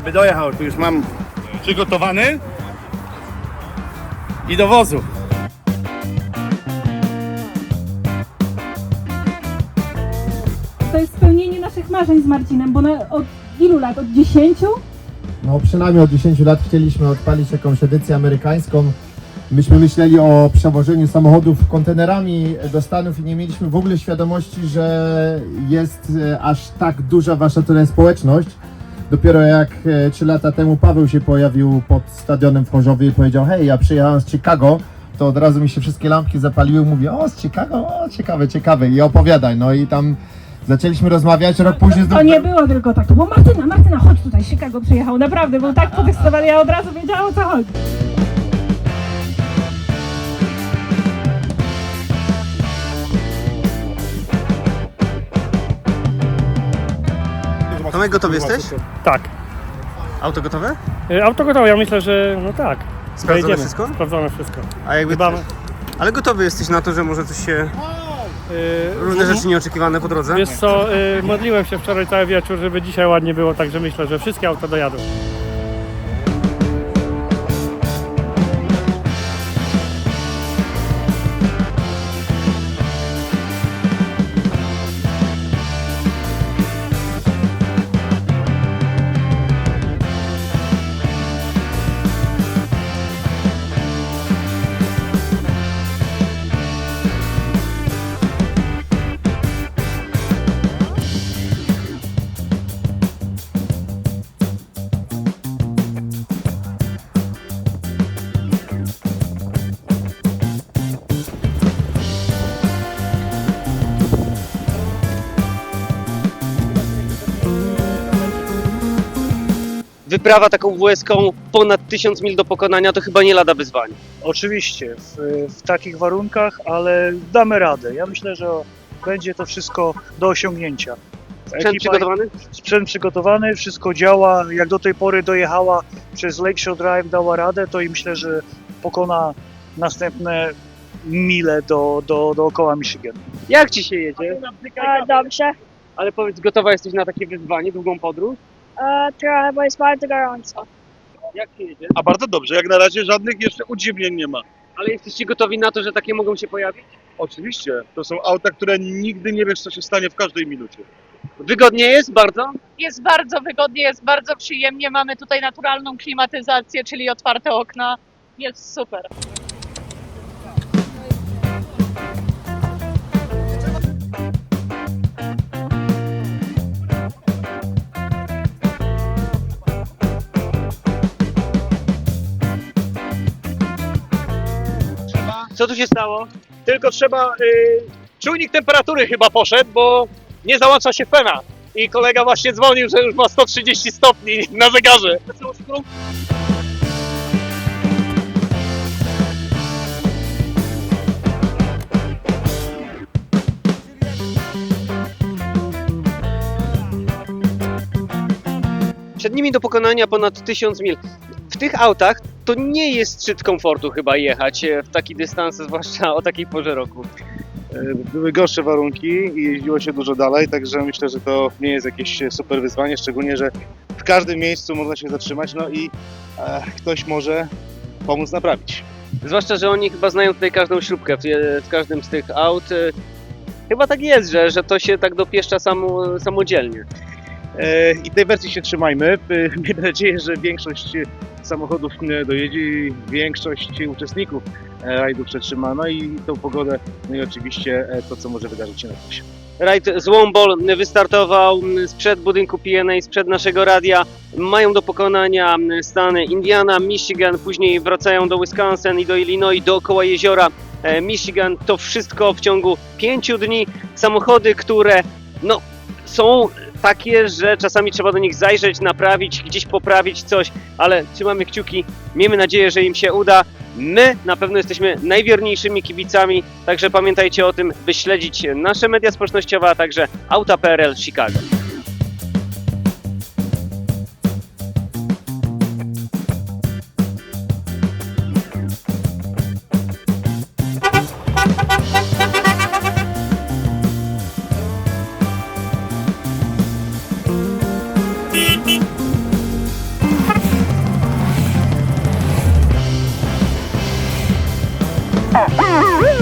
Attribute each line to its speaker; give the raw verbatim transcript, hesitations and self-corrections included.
Speaker 1: aby dojechał. Tu już mam przygotowany i do wozu.
Speaker 2: To jest spełnienie naszych marzeń z Marcinem, bo na, od ilu lat? Od dziesięciu?
Speaker 3: No przynajmniej od dziesięciu lat chcieliśmy odpalić jakąś edycję amerykańską. Myśmy myśleli o przewożeniu samochodów kontenerami do Stanów i nie mieliśmy w ogóle świadomości, że jest e, aż tak duża wasza tutaj społeczność. Dopiero jak e, trzy lata temu Paweł się pojawił pod stadionem w Chorzowie i powiedział: hej, ja przyjechałem z Chicago, to od razu mi się wszystkie lampki zapaliły. Mówię: o, z Chicago, o, ciekawe, ciekawe, i opowiadaj. No i tam zaczęliśmy rozmawiać, rok później
Speaker 2: To nie było tylko tak, to było Martyna, Martyna, chodź tutaj, Chicago przyjechał, naprawdę, był tak podekscytowany, ja od razu wiedziałam, o co chodzi.
Speaker 4: Tomek, gotowy jesteś?
Speaker 5: Tak.
Speaker 4: Auto gotowe?
Speaker 5: Y, Auto gotowe, ja myślę, że no tak.
Speaker 4: Sprawdzone
Speaker 5: Pojedziemy.
Speaker 4: wszystko?
Speaker 5: Sprawdzone wszystko.
Speaker 4: A jakby...
Speaker 5: Dbamy.
Speaker 4: Ale gotowy jesteś na to, że może coś się...
Speaker 5: Y,
Speaker 4: różne rzeczy nieoczekiwane po drodze?
Speaker 5: Wiesz co, y, modliłem się wczoraj cały wieczór, żeby dzisiaj ładnie było, także myślę, że wszystkie auta dojadą.
Speaker 6: Wyprawa taką W S K-ą ponad tysiąc mil do pokonania to chyba nie lada wyzwanie.
Speaker 7: Oczywiście, w, w takich warunkach, ale damy radę. Ja myślę, że będzie to wszystko do osiągnięcia.
Speaker 6: Sprzęt przygotowany?
Speaker 7: Sprzęt przygotowany, wszystko działa. Jak do tej pory dojechała przez Lakeshore Drive, dała radę, to i myślę, że pokona następne mile do, do, dookoła Michigan.
Speaker 6: Jak ci się jedzie?
Speaker 8: E, dobrze.
Speaker 6: Ale powiedz, gotowa jesteś na takie wyzwanie, długą podróż?
Speaker 8: E, trochę, bo jest bardzo gorąco.
Speaker 6: Jak się jedzie?
Speaker 1: A bardzo dobrze, jak na razie żadnych jeszcze udziwnień nie ma.
Speaker 6: Ale jesteście gotowi na to, że takie mogą się pojawić?
Speaker 1: Oczywiście, to są auta, które nigdy nie wiesz, co się stanie w każdej minucie.
Speaker 6: Wygodnie jest bardzo?
Speaker 9: Jest bardzo wygodnie, jest bardzo przyjemnie. Mamy tutaj naturalną klimatyzację, czyli otwarte okna. Jest super.
Speaker 6: Co tu się stało?
Speaker 10: Tylko trzeba, y, czujnik temperatury chyba poszedł, bo nie załącza się fena. I kolega właśnie dzwonił, że już ma sto trzydzieści stopni na zegarze.
Speaker 6: Przed nimi do pokonania ponad tysiąc mil. W tych autach to nie jest szczyt komfortu chyba jechać w taki dystans, zwłaszcza o takiej porze roku.
Speaker 11: Były gorsze warunki i jeździło się dużo dalej, także myślę, że to nie jest jakieś super wyzwanie, szczególnie, że w każdym miejscu można się zatrzymać, no i e, ktoś może pomóc naprawić.
Speaker 6: Zwłaszcza, że oni chyba znają tutaj każdą śrubkę w, w każdym z tych aut. Chyba tak jest, że, że to się tak dopieszcza samo, samodzielnie.
Speaker 11: E, I tej wersji się trzymajmy. E, Miejmy nadzieję, że większość samochodów dojedzie i większość uczestników rajdów przetrzyma, no i tą pogodę, no i oczywiście to, co może wydarzyć się na trasie.
Speaker 6: Rajd z Wombol wystartował sprzed budynku P N A, sprzed naszego radia. Mają do pokonania stany Indiana, Michigan, później wracają do Wisconsin i do Illinois, dookoła jeziora Michigan. To wszystko w ciągu pięciu dni. Samochody, które no, są takie, że czasami trzeba do nich zajrzeć, naprawić, gdzieś poprawić coś, ale trzymamy kciuki, miejmy nadzieję, że im się uda. My na pewno jesteśmy najwierniejszymi kibicami, także pamiętajcie o tym, by śledzić nasze media społecznościowe, a także Auta kropka P R L Chicago.
Speaker 2: Woo!